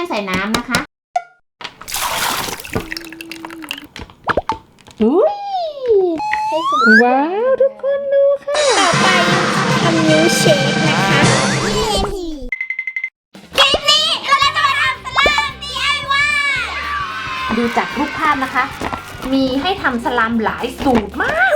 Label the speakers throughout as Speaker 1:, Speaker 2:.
Speaker 1: ใส่น้ำนะคะอุ้ย
Speaker 2: ให้สุด
Speaker 1: ว้าวทุกคนดูค่ะ
Speaker 2: ต่อไปทำนิ้วเชคนะคะคลิปนี้เราจะมาทำสลาม DIY
Speaker 1: ดูจากรูปภาพนะคะ มีให้ทำสลามหลายสูตรมาก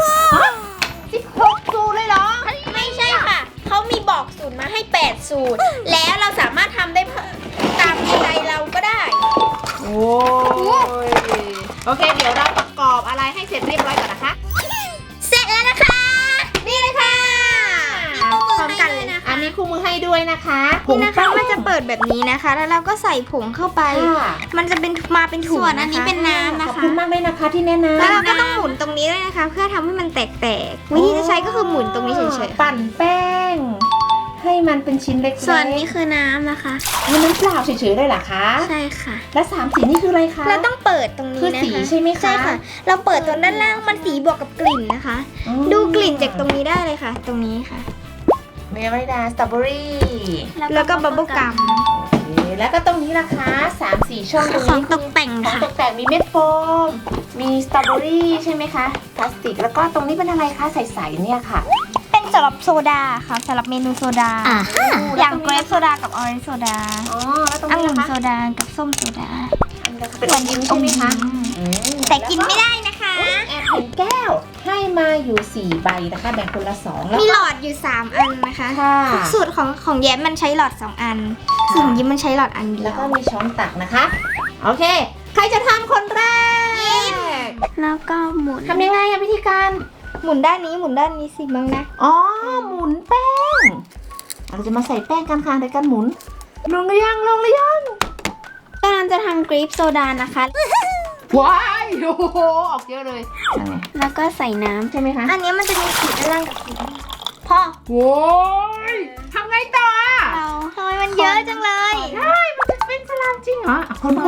Speaker 1: 16 สูตรเลยเหรอ
Speaker 2: ไม่ใช่ค่ะ เขามีบอกสูตรมาให้ 8 สูตร แล้วเราสามารถทำได้ตามใจเราก็ได้
Speaker 1: โอ้ยโอเค เดี๋ยวเราประกอบอะไรให้เสร็จเรียบร้อยก่อนนะคะ
Speaker 2: เสร็จแล้วนะคะ นี่เลยค่ะพร้อมกันเลยนะคะ
Speaker 1: อันนี้คู่มือให้ด้วยนะคะ
Speaker 2: นี่นะคะมันจะเปิดแบบนี้นะคะ แล้วเราก็ใส่ผงเข้าไป
Speaker 1: ค่ะ
Speaker 2: มันจะเป็นมาเป็นถุง
Speaker 3: ส่วนอันนี้เป็นน้ำนะ
Speaker 1: ขอบ
Speaker 3: คะ
Speaker 1: คุณมากเลยนะคะที่แนะนำ
Speaker 2: แล้วเราก็ต้องหมุนตรงนี้ด้วยนะคะ เพื่อทำให้มันแตกๆ วิธีจะใช้ก็คือหมุนตรงนี้เฉยๆ
Speaker 1: ปั่นแป้ง ให้มันเป็นชิ้นเล็กๆ
Speaker 3: ส่วนนี้คือน้ำนะคะ
Speaker 1: นี่น้ำเปล่าเฉยๆเลยเหรอคะ
Speaker 3: ใช่ค่ะ
Speaker 1: และ3สีนี่คืออะไรคะ
Speaker 2: เราต้องเปิดตรงนี้
Speaker 1: คือ
Speaker 2: นะคะ
Speaker 1: สีใช่ไหมคะ
Speaker 2: ใช่ค่ะ เราเปิดตรงด้านล่างมันสีบวกกับกลิ่นนะคะ
Speaker 1: อืม
Speaker 2: ดูกลิ่นจากตรงนี้ได้เลยค่ะ ตรงนี้ค่ะ
Speaker 1: เมลดาสตรอเบอรี่
Speaker 2: แล้วก็บับเบิ้ลกัม
Speaker 1: แล้วก็ตรงนี้ล่ะคะ3-4 ช่องตรง
Speaker 3: ของ
Speaker 1: นี้
Speaker 3: ตกแต่ง
Speaker 1: ของ
Speaker 3: ค่ะ
Speaker 1: ตกแต่งมีเม็ดโฟม มีสตรอเบอรี่ใช่ไหมคะพลาสติกแล้วก็ตรงนี้เป็นอะไรคะใสๆเนี่ยค่ะ
Speaker 2: เป็นสำหรับโซดาค่ะสำหรับเมนูโซดา
Speaker 3: อ่า
Speaker 2: อย่างเกรปโซดากับออเรนจ์โซดา
Speaker 1: อ๋อแล้วตรง
Speaker 2: องุ่
Speaker 1: นี้
Speaker 2: น
Speaker 1: ล่ะ
Speaker 2: โซ
Speaker 1: คะ
Speaker 2: ดากับส้มโซดา
Speaker 1: เป็นอมยิ้มใช่ไหมคะอืม
Speaker 2: แต่กินไม่ได้นะคะ
Speaker 1: แอบเห็นแก้วให้มาอยู่4 ใบนะคะแบ่งคนละ2แล้ว
Speaker 2: มีหล
Speaker 1: ก็
Speaker 2: อดอยู่ 3 อันนะคะ
Speaker 1: ค่ะ
Speaker 2: สูตรของแย้มมันใช้หลอด 2 อันส่วนของยิ้มมันใช้หลอดอันเดี
Speaker 1: แล้
Speaker 2: ยว ว
Speaker 1: ก็มีช้อนตักนะคะโอเค ใครจะทำคนแรก
Speaker 3: แล้วก็หมุน
Speaker 1: ทำยังไงอะวิธีการ
Speaker 2: หมุนด้านนี้หมุนด้านนี้สิบ้างนะ
Speaker 1: อ๋อหมุนแป้งเราจะมาใส่แป้งกันค่ะในการหมุนลงหรือยังลงหรือยัง
Speaker 2: ตอนนั้นจะทำเกรปโซดานะคะ
Speaker 1: ว้ายโอ้โหออกเยอะเลยนั่นไง
Speaker 3: แล้วก็ใส่น้
Speaker 1: ใช่ไหมคะ
Speaker 2: อันนี้มันจะมีขีดด้านล่างกับขีดด้านบนพอ
Speaker 1: โว้ยทำไงต่ออะ
Speaker 2: เราทำไมมันเยอะจังเลย
Speaker 1: ได้มันจะเป็นสลามจริงเหรออ่ะคน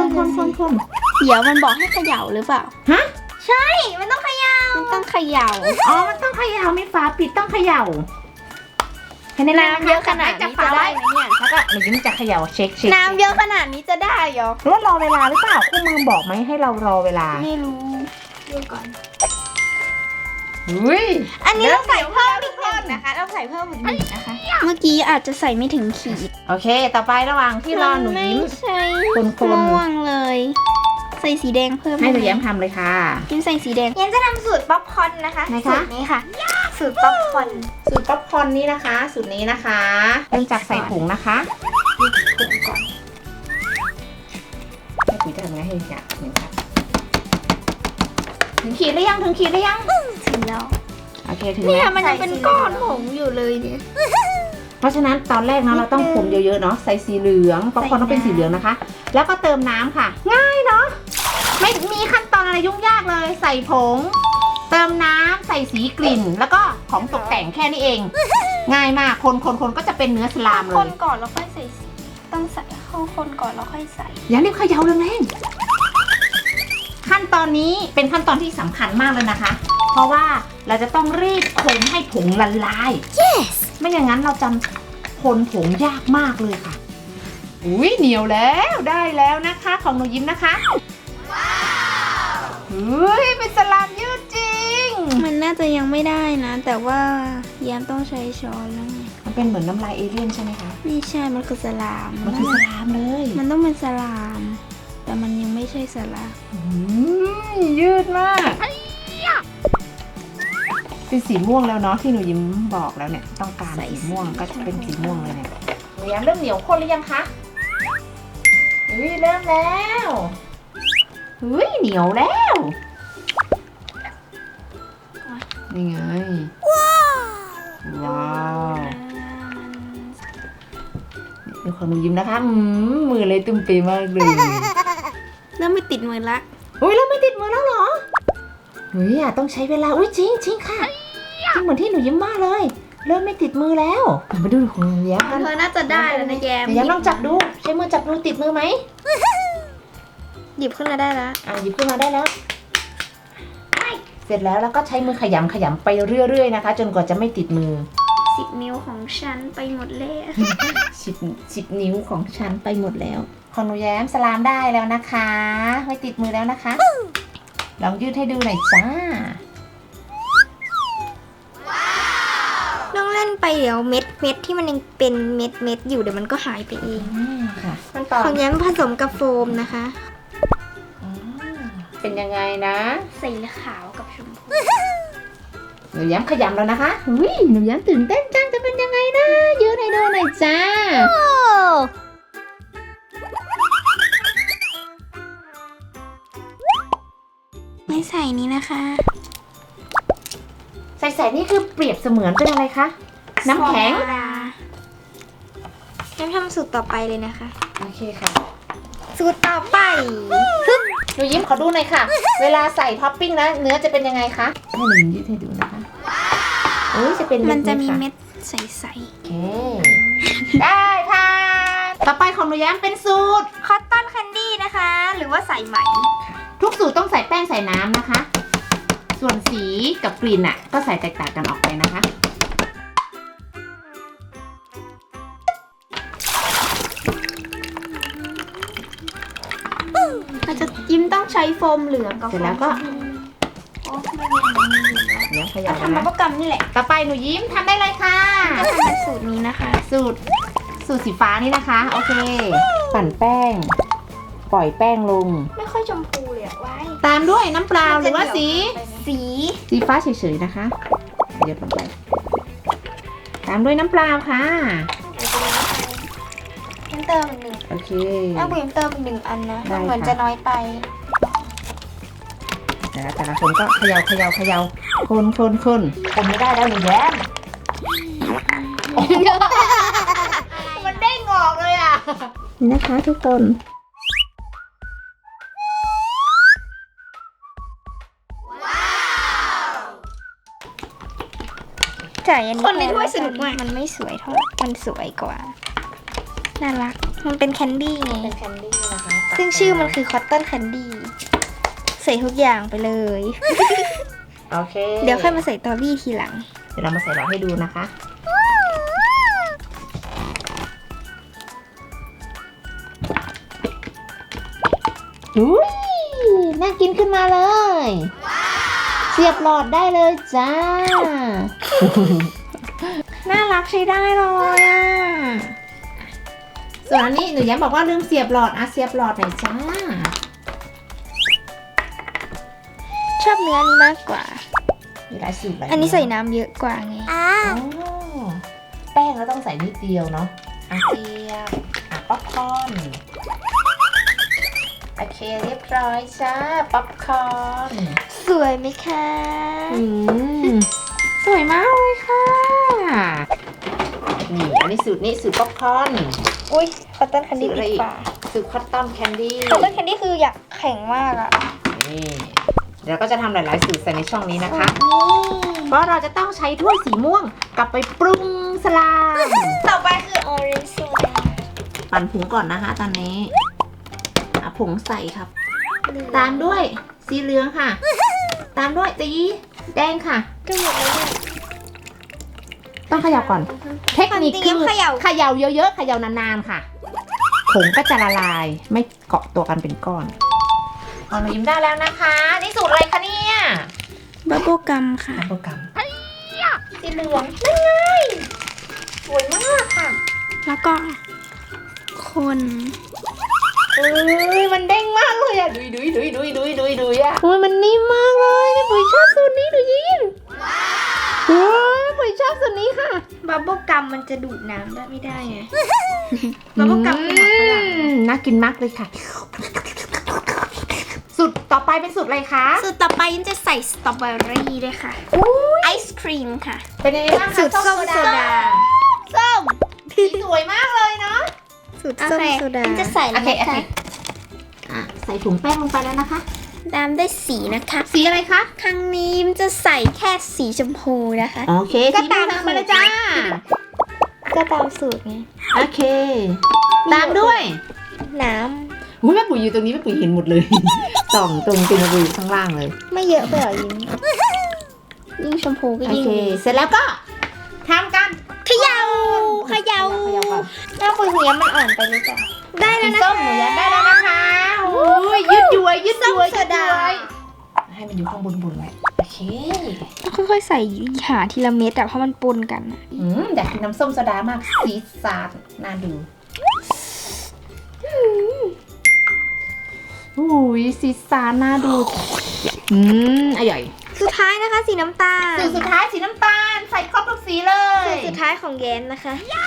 Speaker 3: ำเดี๋ยวมันบอกให้เขย่าหรือเปล่า
Speaker 1: ฮะ
Speaker 2: ใช่มันต้องเขย่า
Speaker 3: มันต้องเขย่า
Speaker 1: อ๋อมันต้องเขย่ามีฝาปิดต้องเขย่าให้ในน้ำ
Speaker 3: น้ำเยอะขนาดนี้จะได้ไหมเนี่ย
Speaker 1: แล้วก็หนูยิ้มจะเขย่าเช็ค
Speaker 2: น้ำเยอะขนาดนี้จะได้เหรอ
Speaker 1: หรือว่ารอเวลาหรือเปล่าคู่มือบอกไหมให้เรารอเวลา
Speaker 3: ไม่รู้ดูก่อน
Speaker 1: อุ้ย
Speaker 2: อันนี้เราใส่เพิ่มอีกหนึ่งนะคะ เราใส่เพิ่มอีกหนึ่งนะคะ
Speaker 3: เมื่อกี้อาจจะใส่ไม่ถึงขีด
Speaker 1: โอเค ต่อไประหว่างที่รอหนูยิ้ม
Speaker 3: ไม่ใช่
Speaker 1: คนๆ
Speaker 3: ม่วงเลย ใส่สีแดงเพิ่ม
Speaker 1: ให้หนูยิ้มทำเลยค่ะ
Speaker 3: ยิ้มใส่สีแดง
Speaker 2: ยันจะทำสูตรป๊อปคอร์นนะคะ
Speaker 1: ไหนคะ
Speaker 2: สูตรนี้ค่ะ สูตรป๊อปคอร์น
Speaker 1: สูตรป๊อปคอร์นนี้นะคะ สูตรนี้นะคะเริ่มจากใส่ถุงนะคะให้ปุ๋ยจะทำไงให้อยากเหมือนกันถึงขีดหรือยังถึงขีดหรือยัง
Speaker 3: ถึงแล้ว
Speaker 1: โอเคถึง
Speaker 3: เนี่
Speaker 1: แล้
Speaker 3: ยว มันยังเป็นก้อนผงอยู่เลยเนี่ย
Speaker 1: เพราะฉะนั้นตอนแรกนะเราต้องคนเยอะๆเนาะใส่สีเหลืองป๊อปคอร์นต้องเป็นสีเหลืองนะคะ แล้วก็เติมน้ำค่ะ ง่ายเนาะไม่มีขั้นตอนอะไรยุ่งยากเลย ใส่ผง เติมน้ำใส่สีกลิ่น แล้วก็ของตกแต่งแค่นี้เอง ง่ายมากคนก็จะเป็นเนื้อสลามเล
Speaker 3: ค
Speaker 1: ย
Speaker 3: นก่อนแล้วค่อยใส่สีต้องใส่เข้าคนก่อนแล้วค่อยใส่
Speaker 1: อย่ารีบเขย่าแรงๆขั้นตอนนี้เป็นขั้นตอนที่สำคัญมากเลยนะคะ เพราะว่าเราจะต้องรีบคนให้ผงละลาย yes ไม่อย่างนั้นเราจะคนผงยากมากเลยค่ะอุ้ยเหนียวแล้วได้แล้วนะคะของหนูยิ้มนะคะว้าวเฮ้ยเป็นสลามยืดจริง
Speaker 3: มันน่าจะยังไม่ได้นะ แต่ว่าแยมต้องใช้ช้อนแล้วไง
Speaker 1: มันเป็นเหมือนน้ำลายเอเลี่ยนใช่ไหมคะ
Speaker 3: ไม่ใช่ มันคือสลาม
Speaker 1: มันคือสลามเลย
Speaker 3: มันต้องเป็นสลาม แต่มันยังไม่ใช่สลาม
Speaker 1: ยืดมากเป็นสีม่วงแล้วเนาะที่หนูยิ้มบอกแล้วเนี่ยต้องการสีม่วงก็จะเป็นสีม่วงเลยเนี่ยหนูยิ้มเริ่มเหนียวข้นหรือยังคะเฮ้ยเริ่มแล้วเฮ้ยเหนียวแล้วนี่ไงว้าวดูของหนูยิ้มนะคะมือเลยตุ้มเปมากเลย
Speaker 3: แล้วไม่ติดมือละ
Speaker 1: อุ้ยแล้วไม่ติดมือแล้วเหรอเฮ้ยต้องใช้เวลาอุ้ยจริงค่ะจริงเหมือนที่หนูยิ้มว่าเลย เริ่มไม่ติดมือแล้วมาดูของหนูยิ้มกัน
Speaker 3: เธอน่าจะได้แล้วนะแยม
Speaker 1: หนูยิ้มลองจับดูใช้มือจับดูติดมือไหม
Speaker 3: หยิบขึ้นมาได้แล้ว
Speaker 1: หยิบขึ้นมาได้แล้วเสร็จแล้วก็ใช้มือขยำไปเรื่อยๆนะคะ จนกว่าจะไม่ติดมือ
Speaker 3: 10 นิ้วของฉันไปหมดแล้ว
Speaker 1: 10 นิ้วของฉันไปหมดแล้วของหนูแย้มสลามได้แล้วนะคะไม่ติดมือแล้วนะคะ ลองยืดให้ดูหน่อยจ้า
Speaker 3: ต้องเล่นไปเดี๋ยวเม็ดที่มันยังเป็นเม็ดอยู่เดี๋ยวมันก็หายไปเอง
Speaker 1: ค่ะขั้นตอน
Speaker 3: ของแย้มผสมกับโฟมนะคะ
Speaker 1: เป็นยังไงนะ
Speaker 3: สีขาวกับชมพู
Speaker 1: หนูแย้มขยำแล้วนะคะอุ้ยหนูแย้มตื่นเต้นจังจะเป็นยังไงนะยืดให้ดูหน่อยจ้า
Speaker 3: ไม่ใส่นี้นะคะ
Speaker 1: ใส่นี่คือเปรียบเสมือนเป็นอะไรคะ น้ำแข็ง
Speaker 3: โซดาแย้มทำสูตรต่อไปเลยนะคะ
Speaker 1: โอเคค่ะ
Speaker 3: สูตรต่อไป
Speaker 1: หนูยิ้มขอดูหน่อยค่ะ เวลาใส่ท็อปปิ้งนะเนื้อจะเป็นยังไงคะให้หนูยืดให้ดูนะคะอุ้ยจะเป็น
Speaker 3: มันจะมี
Speaker 1: ค่
Speaker 3: เม็ดใส
Speaker 1: โอเค ได้ค่ะ ต่อไปของหนูแย้มเป็นสูตร
Speaker 3: ๆคอตตอนแคนดี้นะคะ หรือว่าใส่ไหม
Speaker 1: ทุกสูตรต้องใส่แป้งใส่น้ำนะคะ ส่วนสีกับกลิ่นอ่ะ ก็ใส่แตกต่างกันออกไปนะคะ
Speaker 3: เราจะยิ้มต้องใช้โฟมเหลืองกับ
Speaker 1: เสร็จแล้วก็
Speaker 3: โอ้ไม่มีอะไรอยู่แล้ว
Speaker 1: เดี๋ยวขยับ
Speaker 3: ทำมา
Speaker 1: นะ
Speaker 3: โปรแกรมนี่แหละ
Speaker 1: ต่อไปหนูยิ้มทำได้เลยค่ะ
Speaker 3: จะทำเป็นสูตรนี้นะคะ
Speaker 1: สูตรสีฟ้านี่นะคะ โอเค ปั่นแป้ง ปล่อยแป้งลง
Speaker 3: ไม่ค่อยชมพูเลยอะไว้
Speaker 1: ตามด้วยน้ำเปล่าหรือว่าสี
Speaker 3: สี
Speaker 1: สีฟ้าเฉยๆนะคะหยดลงไป ตามด้วยน้ำเปล่าค่ะ
Speaker 3: ยิ้มเติมอีกหนึ่ง
Speaker 1: โอเค
Speaker 3: แม่บุ๋มเติมอีกหนึ่งอันนะ
Speaker 1: ได้
Speaker 3: มันเหมือน
Speaker 1: ค่ะ
Speaker 3: จะน้อยไป
Speaker 1: แต่ละคนก็เขย่าคนไม่ได้แล้วหนูแย้มมันเด้งออกเลยอ่ะ นี่นะคะทุกคน
Speaker 3: จ่ายอันนี้
Speaker 2: คนในถ้วยสนุกมาก
Speaker 3: มันไม่สวยเท่าไหร่มันสวยกว่า น่ารัก มันเป็นแคนดี้ไง
Speaker 1: เป็นแคนดี้นะคะ
Speaker 3: ซึ่งชื่อมันคือคอตตอนแคนดี้ ใส่ทุกอย่างไปเลย
Speaker 1: โอเค
Speaker 3: เดี๋ยวค่อยมาใส่ตอรี่ทีหลัง
Speaker 1: เดี๋ยวเรามาใส่หลอดให้ดูนะคะอุ้ยน่ากินขึ้นมาเลย เสียบหลอดได้เลยจ้า น่ารักใช้ได้เลยอ่ะ ส่วนอันนี้หนูแย้มบอกว่าลืมเสียบหลอดเสียบหลอดหน่อยจ้า
Speaker 3: ชอบเนื้อนี้มากกว่า
Speaker 1: มีหลายสูตรหลาย
Speaker 3: อันนี้ใส่น้ำเยอะกว่าไง
Speaker 1: อ๋อแป้งเราต้องใส่นิดเดียวเนาะเสียบป๊อปคอร์นโอเคเรียบร้อยจ้าป๊อปคอร์น
Speaker 3: สวยไหมคะ
Speaker 1: สวยมากเลยค่ะนี่อันนี้สูตรนี้สูตรป๊อปคอร์น
Speaker 3: อุ้ยคอตตอนแคนดี้
Speaker 1: สีอะไร
Speaker 3: ดี
Speaker 1: อีก
Speaker 3: กว่า
Speaker 1: สูตรคัตตอมแคนดี้
Speaker 3: คอตตอนแคนดี้คืออยากแข็งมากอะ
Speaker 1: นี่เดี๋ยวก็จะทำหลายๆสูตรใส่ในช่องนี้นะคะ เพราะเราจะต้องใช้ถ้วยสีม่วงกลับไปปรุงสลาม
Speaker 3: ต่อไปคือออเรนจ์โซดา
Speaker 1: ปั่นผงก่อนนะคะตอนนี้ผงใส่ครับ ตามด้วยสีเหลืองค่ะ ตามด้วยสีแดงค่ะ
Speaker 3: ก็หมดแล้วเนี่ย
Speaker 1: ต้องเขย่าก่อน เทคนิคคือ
Speaker 3: เขย่า
Speaker 1: เขย่าเยอะๆเขย่านานๆค่ะ ผงก็จะละลายไม่เกาะตัวกันเป็นก้อนเอาหนูยิ้มได้แล้วนะคะนี่สูตรอะไรคะเนี่ย
Speaker 3: บับเบิ้ลกัมค่ะ
Speaker 1: โปรแกรม
Speaker 3: สีเหลือง
Speaker 1: สวยมากค่ะ
Speaker 3: แล้วก็คน
Speaker 1: เอ้ยมันเด้งมากเลยอะดุยอะโอ้ยมันนิ่มมากเลยเนี่ยปุ๋ยชอบสูตรนี้หนูยิ้มโอ้ยปุ๋ยชอบสูตรนี้ค่ะ
Speaker 3: บับเบิ้ลกัมมันจะดูดน้ำได้ไม่ได้ไง บับเบิ้ลกัมคือหมักฝรั่ง
Speaker 1: น่ากินมากเลยค่ะ สูตรต่อไปเป็นสูตรอะไรคะ
Speaker 3: สูตรต่อไปยิ้มจะใส่สตรอเบอรี่ด้วยค่ะ ไอศครีมค่ะ
Speaker 1: เป็นยังไงบ้างคะ
Speaker 3: สูตรส้มโซดา ส้ม
Speaker 1: สีสวยมากเลยเนาะ
Speaker 3: สูตรส้มโซดายิ้มจะใส่
Speaker 1: โอ
Speaker 3: แล้ว
Speaker 1: เค
Speaker 3: นะคะ
Speaker 1: ใส่ถุงแป้งลงไปแล้วนะคะ
Speaker 3: ตามด้วยสีนะคะ
Speaker 1: สีอะไรคะ
Speaker 3: ครั้งนี้ยิ้มจะใส่แค่สีชมพูนะคะ
Speaker 1: โอเค
Speaker 3: ก็
Speaker 1: สี
Speaker 3: ตาม
Speaker 1: ม่วงไปเลยจ้า
Speaker 3: ก็ตามสูตรไง
Speaker 1: โอเค ตามด้วย
Speaker 3: น้
Speaker 1: อุ๊ยแม่ปุ๋ยอยู่ตรงนี้แม่ปุ๋ยเห็นหมดเลย ส่องตรงตินบุยข้างล่างเลย
Speaker 3: ำไม่เยอะไปหรอยิ้มยิ่งชมพูก็
Speaker 1: โอ
Speaker 3: ยิ่ง
Speaker 1: เค
Speaker 3: ดี
Speaker 1: เสร็จแล้วก็ทำกัน
Speaker 3: เขย่า
Speaker 1: เขย่าก่อน
Speaker 3: หน้าปุ๋ยหัวมันอ่อนไปหรือเปล่า
Speaker 2: ได้แล้ว
Speaker 1: สี
Speaker 2: นะ
Speaker 1: ส้มหนูแย้มได้แล้วนะคะโอ้ยยืดย้วยยืดย้วย
Speaker 2: ส้มโซดา
Speaker 1: ให้มันอยู่ข้างบนไว้โอเค
Speaker 3: ต้องค่อยๆใส่หาทีละเม็ดอะเพราะมันปนกันอะ
Speaker 1: อยากกินน้ำส้มโซดามากสีสันน่าดูอุ้ยสีสันน่าดูอร่อย
Speaker 2: สุดท้ายนะคะสีน้ำตาล
Speaker 1: สูตรสุดท้ายสีน้ำตาลใส่ครบทุกสีเลย
Speaker 2: สูตรสุดท้ายของแย้มนะคะ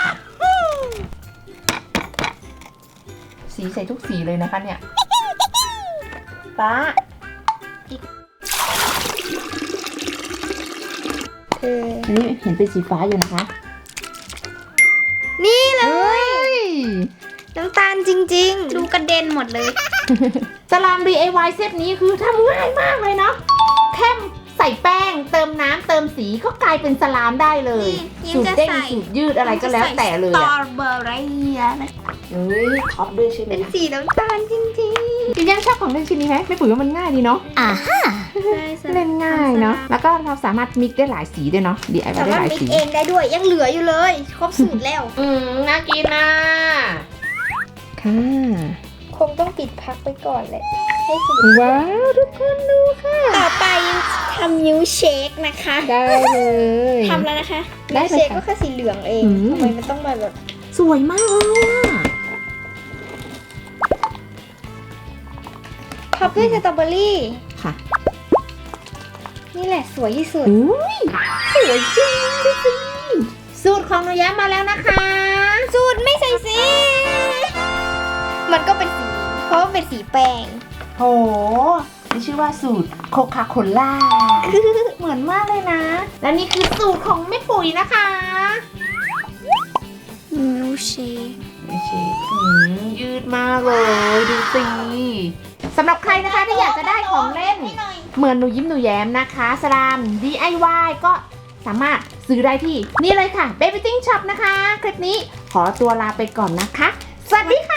Speaker 1: สีใส่ทุกสีเลยนะคะเนี่ยป้าอันนี้เห็นเป็นสีฟ้าอยู่นะคะ
Speaker 2: นี่เล
Speaker 1: เฮ้
Speaker 2: ย
Speaker 1: ย
Speaker 2: น้ำตาลจริงๆ ดูกระเด็นหมดเลย
Speaker 1: สลาม DIY เซตนี้คือทำง่ายมากเลยเนาะแค่ใส่แป้งเติมน้ำเติมสีก็กลายเป็นสลามได้เลย
Speaker 2: นี่
Speaker 1: สูตรเด้ง
Speaker 2: ยังจะใส่
Speaker 1: สูตรยืดอะไรก็แล้วแต่เลย
Speaker 2: สตร
Speaker 1: อะ
Speaker 2: อเบอร์รี่นะ
Speaker 1: เฮ้ยท็อปด้วยใช่ไหม
Speaker 2: เป็นสีน้ำตาลจริง
Speaker 1: จริงยังชอบของเล่นชิ้นนี้ไหมไม่ปุ๋ยว่ามันง่ายดีเนาะ
Speaker 2: ๆ
Speaker 1: เล่นง่ายเนาะแล้วก็เราสามารถมิกได้หลายสีด้วยเนาะ DIY
Speaker 2: สา
Speaker 1: ได้
Speaker 2: มาร
Speaker 1: ห
Speaker 2: ถ
Speaker 1: ลาย
Speaker 2: มิก
Speaker 1: สี
Speaker 2: เองได้ด้วยยังเหลืออยู่เลย ครบสูตรแล้ว
Speaker 1: น่ากินนะค่ะ
Speaker 2: คงต้องปิดพักไปก่อนแหละให้สูตร
Speaker 1: ว้าวทุกคนดูค่ะ
Speaker 2: ต่อไปทำมิลค์เชคนะคะ
Speaker 1: ได้เลย
Speaker 2: ทำแล้วนะคะ
Speaker 1: ได้
Speaker 2: มิลค์
Speaker 1: เลย
Speaker 2: เชค
Speaker 1: ค่ะ
Speaker 2: ก็แค่สีเหลืองเอง
Speaker 1: อืม
Speaker 2: ทำไมมันต้องมาแบบ
Speaker 1: สวยมากเลยอะ
Speaker 2: ท็อปด้วยสตรอเบอรี่
Speaker 1: ค่ะ
Speaker 2: นี่แหละสวยที่สุด
Speaker 1: อุ้ยสวยจริงดูสิสูตรของหนูแย้มมาแล้วนะคะ
Speaker 2: สูตรไม่ใส่สี มันก็เป็นสี เพราะว่าเป็นสีแป้ง
Speaker 1: โหนี่ชื่อว่าสูตรโคคาโคล่า เหมือนมากเลยนะ และนี่คือสูตรของแม่ปุ๋ยนะคะ
Speaker 2: มิลค์เชค
Speaker 1: ไม่ใช่ยืดมากเลยดูสิสำหรับใครนะคะที่อยากจะได้ของเล่น เหมือนหนูยิ้มหนูแย้มนะคะสลาม DIY ก็สามารถซื้อได้ที่นี่เลยค่ะ Baby Ting Shop นะคะ คลิปนี้ขอตัวลาไปก่อนนะคะ สวัสดีค่ะ